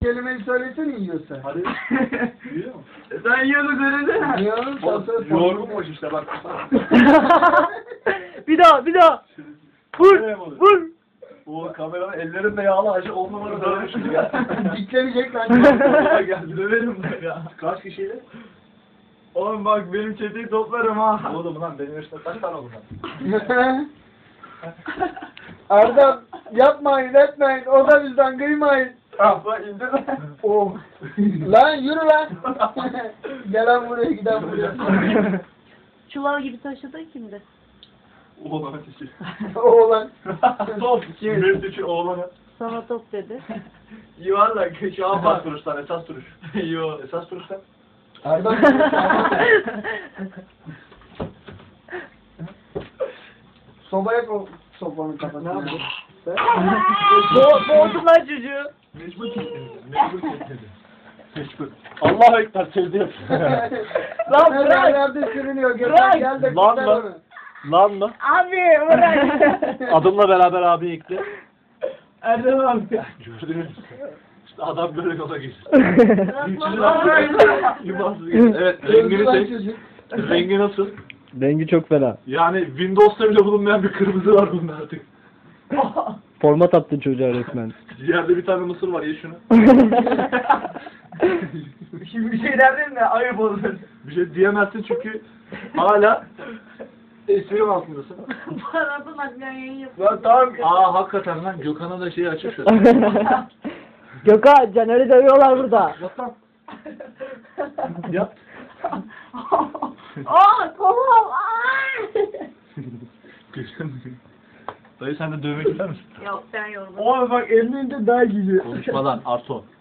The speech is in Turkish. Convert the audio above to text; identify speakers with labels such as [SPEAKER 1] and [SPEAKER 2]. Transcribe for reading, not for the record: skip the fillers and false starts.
[SPEAKER 1] kelimeyi söylesene yiyorsa.
[SPEAKER 2] Hadi. Yiyor mu?
[SPEAKER 3] Sen yiyordun söylesene.
[SPEAKER 1] Yiyorum
[SPEAKER 2] Yorgunmuş işte bak.
[SPEAKER 4] Bir daha. Vur. Vur.
[SPEAKER 2] O kameranın ellerinde yağlı acı 10 numara dövmüş gibi ya.
[SPEAKER 1] Diklenecek lan.
[SPEAKER 2] Geldi döverim ben ya. Kaç kişiyle?
[SPEAKER 3] Oğlum bak benim çeteyi toplarım ha.
[SPEAKER 2] Oğlum lan benim yaşımda kaç tane oldu lan?
[SPEAKER 1] Erdem yapmayın etmeyin. O da bizden kıymayın.
[SPEAKER 3] Ah bak indir lan.
[SPEAKER 1] Oh. Lan yürü lan. Gelen buraya giden buraya.
[SPEAKER 4] Çuval gibi taşıdın kimdi?
[SPEAKER 2] Oğlan ateşi.
[SPEAKER 1] Oğlan.
[SPEAKER 2] Top. Mesut'u oğlanı.
[SPEAKER 4] Sana top dedi.
[SPEAKER 3] Yuvarlak şu an
[SPEAKER 2] Esas
[SPEAKER 3] bak.
[SPEAKER 2] duruştan esas duruş.
[SPEAKER 3] Yo.
[SPEAKER 2] Esas duruştan.
[SPEAKER 1] Erdem. Sobaya koy. Sobanın kafasına.
[SPEAKER 4] Boğdun lan çocuğu.
[SPEAKER 2] Mecbur kilitledi. Mecbur kilitledi. Mecbur. Allahu Ekber sevdim.
[SPEAKER 4] Lan
[SPEAKER 1] Her
[SPEAKER 4] bırak.
[SPEAKER 1] yerde sürünüyor.
[SPEAKER 4] Bırak.
[SPEAKER 1] Gel de
[SPEAKER 2] Lan
[SPEAKER 1] kurtar
[SPEAKER 2] lan.
[SPEAKER 1] onu.
[SPEAKER 2] Lan mı?
[SPEAKER 4] Abi bırak.
[SPEAKER 2] Adımla beraber abi ekle.
[SPEAKER 3] Erdem abi.
[SPEAKER 2] Gördünüz. İşte adam böyle yola geçti.
[SPEAKER 4] Bırak.
[SPEAKER 2] Yumansız geçti. Evet rengini
[SPEAKER 1] Öldü lan
[SPEAKER 2] seç.
[SPEAKER 1] çocuk.
[SPEAKER 2] Rengi nasıl?
[SPEAKER 5] Rengi çok fena.
[SPEAKER 2] Yani Windows'ta bile bulunmayan bir kırmızı var bunda artık.
[SPEAKER 5] Format attın çocuğa resmen.
[SPEAKER 2] Yerde bir tane mısır var ye şunu.
[SPEAKER 3] Şimdi bir şey derdin de ayıp olur.
[SPEAKER 2] Bir şey diyemezsin çünkü hala esprim altındasın.
[SPEAKER 4] Paranın aklına yayın yapıyor.
[SPEAKER 3] Lan tamam.
[SPEAKER 2] Aa hakikaten lan Gökhan'a da şeyi açık şu.
[SPEAKER 4] Gökhan, Caner'i dövüyorlar burada.
[SPEAKER 2] Yap lan. Yap.
[SPEAKER 4] Kolum.
[SPEAKER 2] Dayı sen de dövmek ister misin?
[SPEAKER 4] Yok ben yorgunum.
[SPEAKER 3] Oğlum bak elinde daha gidiyor.
[SPEAKER 2] Konuşma lan Arto.